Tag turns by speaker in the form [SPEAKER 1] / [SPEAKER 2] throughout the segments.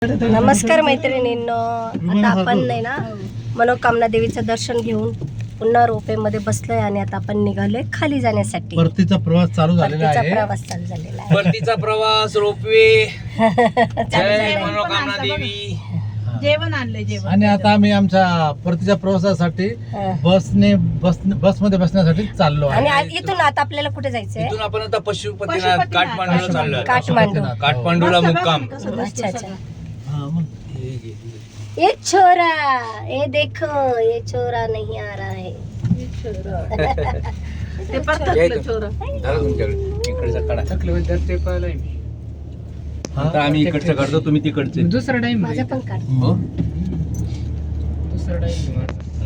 [SPEAKER 1] नमस्कार मैत्रिणींनो, आता आपण नाही ना मनोकामना देवीचं दर्शन घेऊन पुन्हा रोपेमध्ये बसलोय आणि आता आपण निघालोय खाली जाण्यासाठी.
[SPEAKER 2] परतीचा प्रवास चालू झालेला आहे.
[SPEAKER 1] प्रवास चालू झालेला आहे.
[SPEAKER 3] परतीचा प्रवास, रोपवे. जय मनोकामना देवी.
[SPEAKER 4] जेवण आणलंय जेवण.
[SPEAKER 2] आणि आता आम्ही आमच्या परतीच्या प्रवासासाठी बसमध्ये बसण्यासाठी चाललो आहे.
[SPEAKER 1] आणि इथून आता आपल्याला कुठे जायचंय?
[SPEAKER 3] इथून आपण आता पशुपतीनाथ काठमांडूला चाललोय.
[SPEAKER 1] काठमांडूला
[SPEAKER 3] मुक्काम.
[SPEAKER 1] अच्छा अच्छा.
[SPEAKER 2] हा, मग.
[SPEAKER 1] ये छोरा, ये देखो, ये छोरा नहीं आ रहा है.
[SPEAKER 4] ते परत छोर
[SPEAKER 3] इकडचा कडा ते पाहिलंय मी. आता आम्ही इकडचं काढतो, तुम्ही तिकडचे.
[SPEAKER 4] दुसरा टाइम
[SPEAKER 1] माझं पण काढ.
[SPEAKER 3] हो.
[SPEAKER 4] दुसरा टाइम.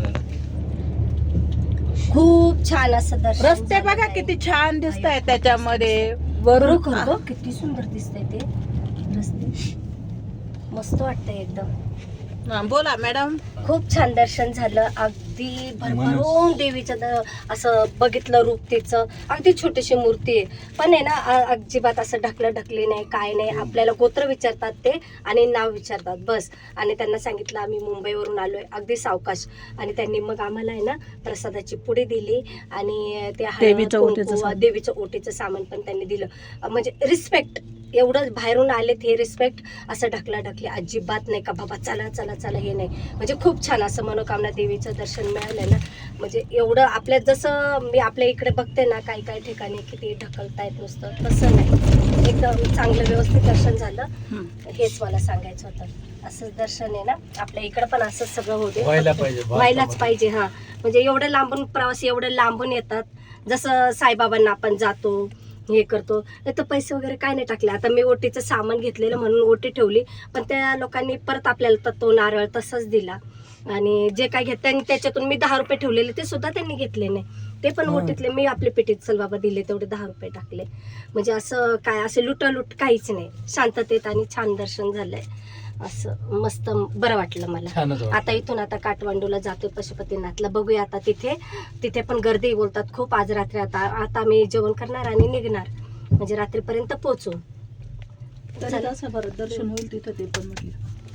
[SPEAKER 1] खूप छान असं दर्शन
[SPEAKER 4] रस्ते बघा
[SPEAKER 1] झालेलं
[SPEAKER 4] किती छान दिसत आहे त्याच्यामध्ये.
[SPEAKER 1] आहे.
[SPEAKER 4] वरून
[SPEAKER 1] खरोखर किती सुंदर दिसतंय ते रस्ते. मस्त वाटतंय एकदम.
[SPEAKER 4] बोला मॅडम.
[SPEAKER 1] खूप छान दर्शन झालं. अगदी भरभरून देवीचं असं बघितलं रूप तिचं. अगदी छोटीशी मूर्ती आहे, पण आहे ना अजिबात असं ढकली नाही, काय नाही. आपल्याला गोत्र विचारतात ते आणि नाव विचारतात बस. आणि त्यांना सांगितलं आम्ही मुंबईवरून आलोय, अगदी सावकाश. आणि त्यांनी मग आम्हाला आहे ना प्रसादाची पुडी दिली आणि ते देवीचं ओटीचं सामान पण त्यांनी दिलं. म्हणजे रिस्पेक्ट, एवढं बाहेरून आलेत हे रिस्पेक्ट. असं ढकली अजिबात नाही का बाबा चला चला चला, हे नाही. म्हणजे खूप छान असं मनोकामना देवीचं दर्शन मिळालं ना. म्हणजे एवढं आपल्या जसं मी आपल्या इकडे बघते ना काही ठिकाणी किती ढकलतायत नुसतं, तसं नाही. एकदम चांगलं व्यवस्थित दर्शन झालं. हेच मला सांगायचं होतं. असंच दर्शन आहे ना आपल्या इकडे पण असंच सगळं होते, व्हायलाच पाहिजे. हा म्हणजे एवढं लांबून प्रवासी एवढं लांबून येतात. जसं साईबाबांना आपण जातो हे करतो, तर पैसे वगैरे काय नाही टाकले. आता मी ओटीचं सामान घेतलेलं म्हणून ओटी ठेवली, पण त्या लोकांनी परत आपल्याला तो नारळ तसंच दिला. आणि जे काय घेत त्यांनी त्याच्यातून मी 10 रुपये ठेवलेले ते सुद्धा त्यांनी घेतले नाही. ते पण ओटीतले मी आपले पेटीत चल बाबा दिले, तेवढे 10 रुपये टाकले. म्हणजे असं काय असं लुटालूट काहीच नाही. शांततेत आणि छान दर्शन झालंय. असं मस्त बरं वाटलं मला. आता इथून आता काठमांडूला जातोय पशुपतीनाथला. बघूया आता तिथे पण गर्दी बोलतात खूप. आज रात्री आता आम्ही जेवण करणार आणि निघणार, म्हणजे रात्रीपर्यंत पोहोचू.
[SPEAKER 4] बरं दर्शन होईल तिथं. ते पण म्हटलं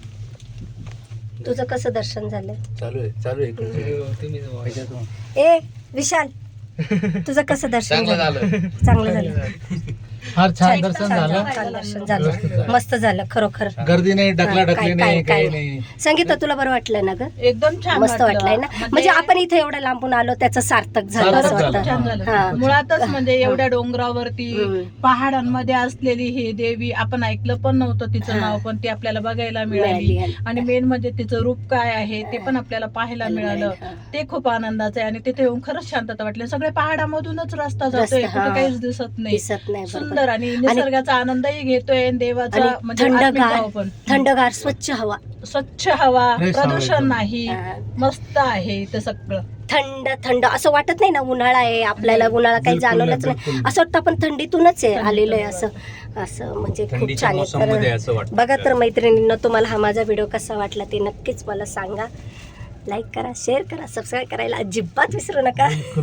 [SPEAKER 1] तुझं कसं दर्शन झालं?
[SPEAKER 3] चालू आहे.
[SPEAKER 1] ए विशाल, तुझं कसं दर्शन झालं? चांगलं झालं.
[SPEAKER 2] फार छान दर्शन झालं.
[SPEAKER 1] छान दर्शन झालं, मस्त झालं खरोखर.
[SPEAKER 2] गर्दी नाही, ढकली नाही, काही नाही.
[SPEAKER 1] संगीता तुला बरं वाटलं ना ग?
[SPEAKER 4] एकदम छान
[SPEAKER 1] मस्त वाटलंय ना. म्हणजे आपण इथे एवढं लांबून आलो त्याचं सार्थक झालं असं वाटतं.
[SPEAKER 4] मुळातच म्हणजे एवढ्या डोंगरावरती पहाडांमध्ये असलेली ही देवी, आपण ऐकलं पण नव्हतं तिचं नाव, पण ती आपल्याला बघायला मिळाली. आणि मेन म्हणजे तिचं रूप काय आहे ते पण आपल्याला पाहायला मिळालं. ते खूप आनंदाचं आहे. आणि तिथे येऊन खरंच शांतता वाटली. सगळे पहाडामधूनच रस्ता जातोय, कुठे काहीच दिसत नाही. सुंदर आणि निसर्गाचा आनंदही घेतोय. देवाचा म्हणजे
[SPEAKER 1] थंडगार स्वच्छ हवा, प्रदूषण नाही, मस्त आहे ते सगळं. थंड असं वाटत नाही ना उन्हाळा आहे. आपल्याला उन्हाळा काही जाणवलंच नाही. असं वाटतं आपण थंडीतूनच आहे आलेलो आहे. असं म्हणजे खूप छान आहे. बघा तर मैत्रिणींना, तुम्हाला हा माझा व्हिडिओ कसा वाटला ते नक्कीच मला सांगा. लाईक करा, शेअर करा, सबस्क्राईब करायला अजिबात विसरू नका.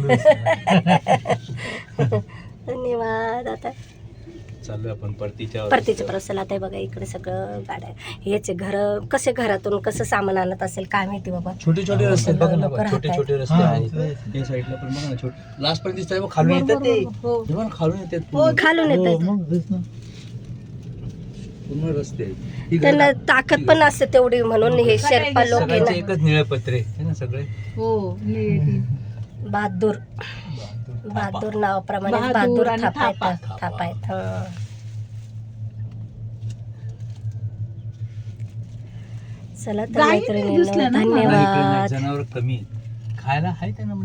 [SPEAKER 1] धन्यवाद. आता
[SPEAKER 3] चालू आपण परतीच्या
[SPEAKER 1] प्रवासाला. आता बघा इकडे सगळं गाड्या हेच घर. कसे घरातून कसं सामान आणत असेल काय माहिती बाबा.
[SPEAKER 3] छोटे रस्ते बघा ना, छोटे रस्ते आहेत. या साईडला पण बघा ना, छोटे लास्ट पर्यंत दिसतंय. खालून येतात ते, खालून येतात,
[SPEAKER 1] खालून येतात.
[SPEAKER 3] पूर्ण रस्ते
[SPEAKER 1] त्यांना ताकद पण असते तेवढी, म्हणून हे शेर्पा लोक आहे ना.
[SPEAKER 3] एकच निळे पत्रे आहे ना सगळे.
[SPEAKER 4] हो,
[SPEAKER 1] बहादूर नावाप्रमाणे बहादूर थापा आहेत. चला तर मैत्रिणींनो, धन्यवाद.
[SPEAKER 3] जनावर कमी खायला आहे त्यांना.